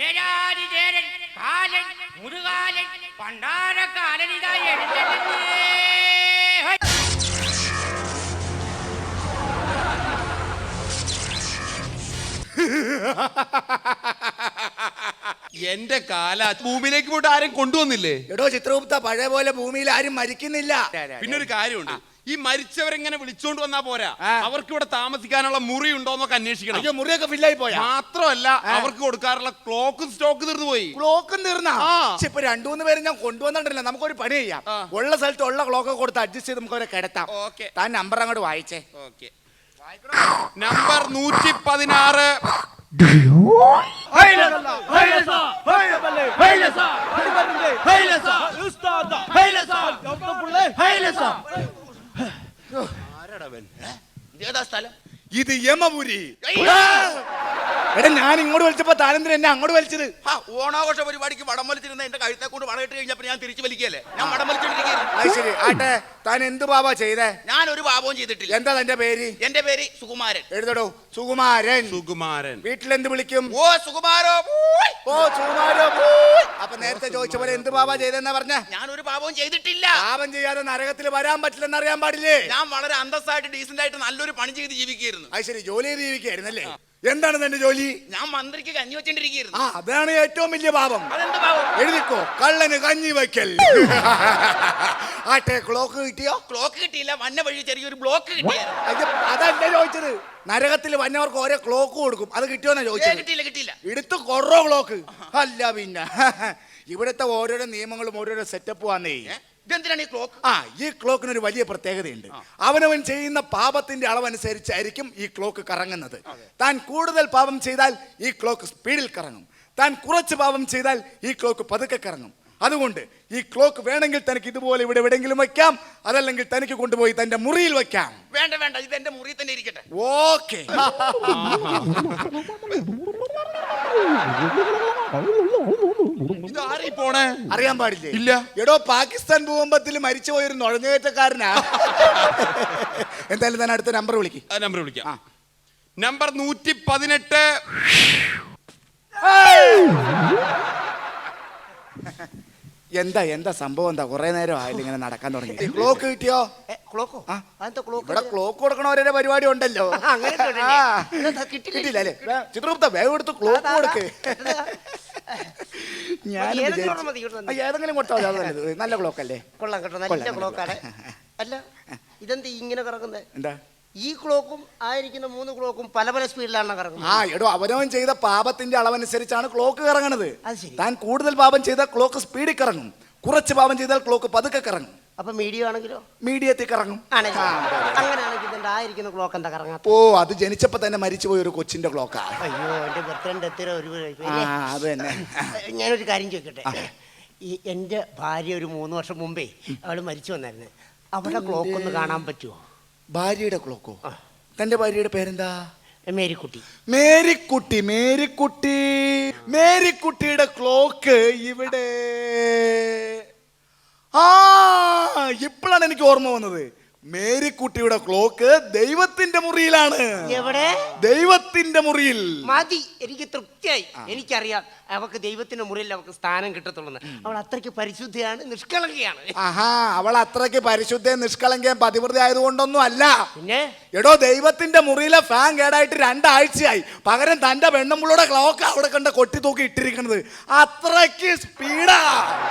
ചേരാതിചേരൻ കാലൻ മുരുകാലൻ പണ്ടാരക്കാലനിതായി എഴുന്നള്ളി. എന്റെ കാല ഭൂമിയിലേക്ക് പോയിട്ട് ആരും കൊണ്ടുവന്നില്ലേ? എടോ ചിത്രഗുപ്ത, പഴയ പോലെ ഭൂമിയിൽ ആരും മരിക്കുന്നില്ല. പിന്നെ ഒരു കാര്യമുണ്ട്, ഈ മരിച്ചവരെങ്ങനെ വിളിച്ചോണ്ട് വന്നാ പോരാ, അവർക്ക് ഇവിടെ താമസിക്കാനുള്ള മുറി ഉണ്ടോന്നൊക്കെ അന്വേഷിക്കണം. അയ്യോ, മുറിയൊക്കെ ഫില്ലായി പോയാ? മാത്രമല്ല അവർക്ക് കൊടുക്കാറുള്ള ക്ലോക്കും സ്റ്റോക്ക് തീർന്നു പോയി. ക്ലോക്കും തീർന്നാ? ഇപ്പൊ 2-3 പേര് ഞാൻ കൊണ്ടുവന്നിട്ടില്ല. നമുക്കൊരു പണി ചെയ്യാം, ഉള്ള സ്ഥലത്ത് ഉള്ള ക്ലോക്ക് കൊടുത്ത് അഡ്ജസ്റ്റ് ചെയ്ത് നമുക്ക് അവരെ കിടത്താം. താൻ നമ്പർ അങ്ങോട്ട് വായിച്ചേ. നമ്പർ 116. ഇത് യമപുരി. എടാ, ഞാൻ ഇങ്ങോട്ട് വലിച്ചപ്പോ താനെന്തിനാ എന്നെ അങ്ങോട്ട് വലിച്ചത്? ഓണാഘോഷ പരിപാടിക്ക് വടം വലിച്ചിരുന്ന എന്റെ കഴുത്തെ കൊണ്ട് വടമിട്ട് കഴിഞ്ഞപ്പോ ഞാൻ തിരിച്ചു വലിക്കല്ലേ, ഞാൻ വടം വലിച്ചോണ്ടിരിക്കുന്നു. അത് ശരി. ആട്ടെ, താൻ എന്ത് പാപാ ചെയ്തേ? ഞാൻ ഒരു പാപവും ചെയ്തിട്ടില്ല. എന്താ തന്റെ പേര്? എന്റെ പേര് സുകുമാരൻ. എഴുതടോ, സുകുമാരൻ. സുകുമാരൻ. വീട്ടിലെന്ത് വിളിക്കും? ഓ സുകുമാരോ. ഓ സുകുമാരോ. അപ്പൊ നേരത്തെ ചോദിച്ച പോലെ എന്ത് പാപാ ചെയ്തെന്നാ പറഞ്ഞ? ഞാൻ ഒരു പാപവും ചെയ്തിട്ടില്ല. പാപം ചെയ്യാതെ നരകത്തിൽ വരാൻ പറ്റില്ലെന്ന് അറിയാൻ പാടില്ലേ? ഞാൻ വളരെ അന്തസ്സായിട്ട് ഡീസന്റ് ആയിട്ട് നല്ലൊരു പണി ചെയ്ത് ജീവിക്കുകയായിരുന്നു. അത് ശരി, ജോലി ചെയ്ത് ജീവിക്കായിരുന്നല്ലേ? എന്താണ് തന്റെ ജോലി? ഞാൻ മന്ത്രിക്ക് കഞ്ഞി വെച്ചോണ്ടിരിക്കുന്നു. അതാണ് ഏറ്റവും വലിയ പാപം. അതെന്ത് പാപം? എഴുതിക്കോ, കള്ളന് കഞ്ഞി വയ്ക്കൽ. ആട്ടെ, ക്ലോക്ക് കിട്ടിയോ? ക്ലോക്ക് കിട്ടിയില്ല, വന്ന വഴി ചെറിയൊരു ബ്ലോക്ക് കിട്ടിയായിരുന്നു. അതല്ല ചോദിച്ചത്. നരകത്തിൽ വന്നവർക്ക് ഓരോ ക്ലോക്ക് കൊടുക്കും, അത് കിട്ടിയോന്നാ ചോദിച്ചത്. കിട്ടിയില്ല. എടുത്ത് കൊറോ ക്ലോക്ക്. അല്ല പിന്നെ ഇവിടുത്തെ ഓരോരോ നിയമങ്ങളും ഓരോരോ സെറ്റപ്പ് വന്നേ. ഇതെന്തിനാണ് ഈ ക്ലോക്ക്? ഈ ക്ലോക്കിനൊരു വലിയ പ്രത്യേകതയുണ്ട്. അവനവൻ ചെയ്യുന്ന പാപത്തിന്റെ അളവനുസരിച്ചായിരിക്കും ഈ ക്ലോക്ക് കറങ്ങുന്നത്. താൻ കൂടുതൽ പാപം ചെയ്താൽ ഈ ക്ലോക്ക് സ്പീഡിൽ കറങ്ങും. താൻ കുറച്ച് പാപം ചെയ്താൽ ഈ ക്ലോക്ക് പതുക്കെ കറങ്ങും. അതുകൊണ്ട് ഈ ക്ലോക്ക് വേണമെങ്കിൽ തനിക്ക് ഇതുപോലെ ഇവിടെ എവിടെയെങ്കിലും വയ്ക്കാം, അതല്ലെങ്കിൽ തനിക്ക് കൊണ്ടുപോയി തന്റെ മുറിയിൽ വയ്ക്കാം. വേണ്ട, ഇത് എന്റെ മുറിയിൽ തന്നെ ഇരിക്കട്ടെ. ഓക്കെ. അറിയാൻ പാടില്ലേ? ഇല്ല. എടോ, പാകിസ്ഥാൻ ഭൂകമ്പത്തിൽ മരിച്ചുപോയൊരു നുഴഞ്ഞുകയറ്റക്കാരനാ. എന്തായാലും തന്നെ അടുത്ത നമ്പർ വിളിക്കാം. നമ്പർ 118. എന്താ സംഭവം? എന്താ കുറെ നേരം ആയില്ല ഇങ്ങനെ നടക്കാൻ തുടങ്ങി? ക്ലോക്ക് കിട്ടിയോ? ക്ലോക്കോ? ഇവിടെ ക്ലോക്ക് കൊടുക്കണവരുടെ പരിപാടി ഉണ്ടല്ലോ. കിട്ടിയില്ല അല്ലേ? ചിത്രഗുപ്ത, വേഗം എടുത്ത് ക്ലോക്ക് കൊടുക്ക്. ഞാൻ ഏതെങ്കിലും കൊടുത്താൽ നല്ല ക്ലോക്ക് അല്ലേ? കൊള്ളാം കേട്ടോ, നല്ല ക്ലോക്കാണ്. അല്ല, ഇതെന്താ ഇങ്ങനെ കറങ്ങുന്നത്? എന്താ? ഈ ക്ലോക്കും ആയിരിക്കുന്ന 3 ക്ലോക്കും പല പല സ്പീഡിലാണ് കറങ്ങുന്നത്. എടോ, അവനവൻ ചെയ്ത പാപത്തിന്റെ അളവനുസരിച്ചാണ് ക്ലോക്ക് കറങ്ങണത്. അത് ശരി. താൻ കൂടുതൽ പാപം ചെയ്താൽ ക്ലോക്ക് സ്പീഡിൽ കറങ്ങും, കുറച്ച് പാപം ചെയ്താൽ ക്ലോക്ക് പതുക്കെ കറങ്ങും. അപ്പൊ മീഡിയം ആണെങ്കിലോ? മീഡിയത്തിൽ കറങ്ങും. അങ്ങനെയാണെങ്കിൽ ഇതിന്റെ ആയിരിക്കുന്ന ക്ലോക്ക് എന്താ കറങ്ങാത്ത? അത് ജനിച്ചപ്പോ തന്നെ മരിച്ചുപോയ ഒരു കൊച്ചിന്റെ ക്ലോക്കാ. അയ്യോ, എന്റെ ബർത്ത്ഡേ അത് തന്നെ. ഞാനൊരു കാര്യം ചോദിക്കട്ടെ. എന്റെ ഭാര്യ ഒരു 3 വർഷം മുമ്പേ അവള് മരിച്ചു വന്നായിരുന്നു. അവിടെ ക്ലോക്ക് ഒന്ന് കാണാൻ പറ്റുമോ? ഭാര്യയുടെ ക്ലോക്കോ? തന്റെ ഭാര്യയുടെ പേരെന്താ? മേരിക്കുട്ടി. മേരിക്കുട്ടിയുടെ ക്ലോക്ക് ഇവിടെ. ഇപ്പോഴാണ് എനിക്ക് ഓർമ്മ വന്നത്. മേരിക്കുട്ടിയുടെ ക്ലോക്ക് ദൈവത്തിന്റെ മുറിയിലാണ്. എവിടെ? ദൈവത്തിന്റെ മുറിയിൽ. മതി, എനിക്ക് തൃപ്തിയായി. എനിക്കറിയാം അവൾക്ക് ദൈവത്തിന്റെ മുറിയിൽ അവൾക്ക് സ്ഥാനം കിട്ടത്തുള്ളൂ. അവൾ അത്രയ്ക്ക് പരിശുദ്ധയാണ്, നിഷ്കളങ്കയാണ്. അവൾ അത്രയ്ക്ക് പരിശുദ്ധയും നിഷ്കളങ്കയും പതിവൃതി ആയതുകൊണ്ടൊന്നും അല്ല. പിന്നെ എടോ, ദൈവത്തിന്റെ മുറിയിലെ ഫാൻ കേടായിട്ട് 2 ആഴ്ചയായി. പകരം തന്റെ പെണ്ണുമ്പുള്ളുടെ ക്ലോക്ക് അവിടെ കണ്ട കൊട്ടി തൂക്കി ഇട്ടിരിക്കുന്നത്. അത്രയ്ക്ക് സ്പീഡാ.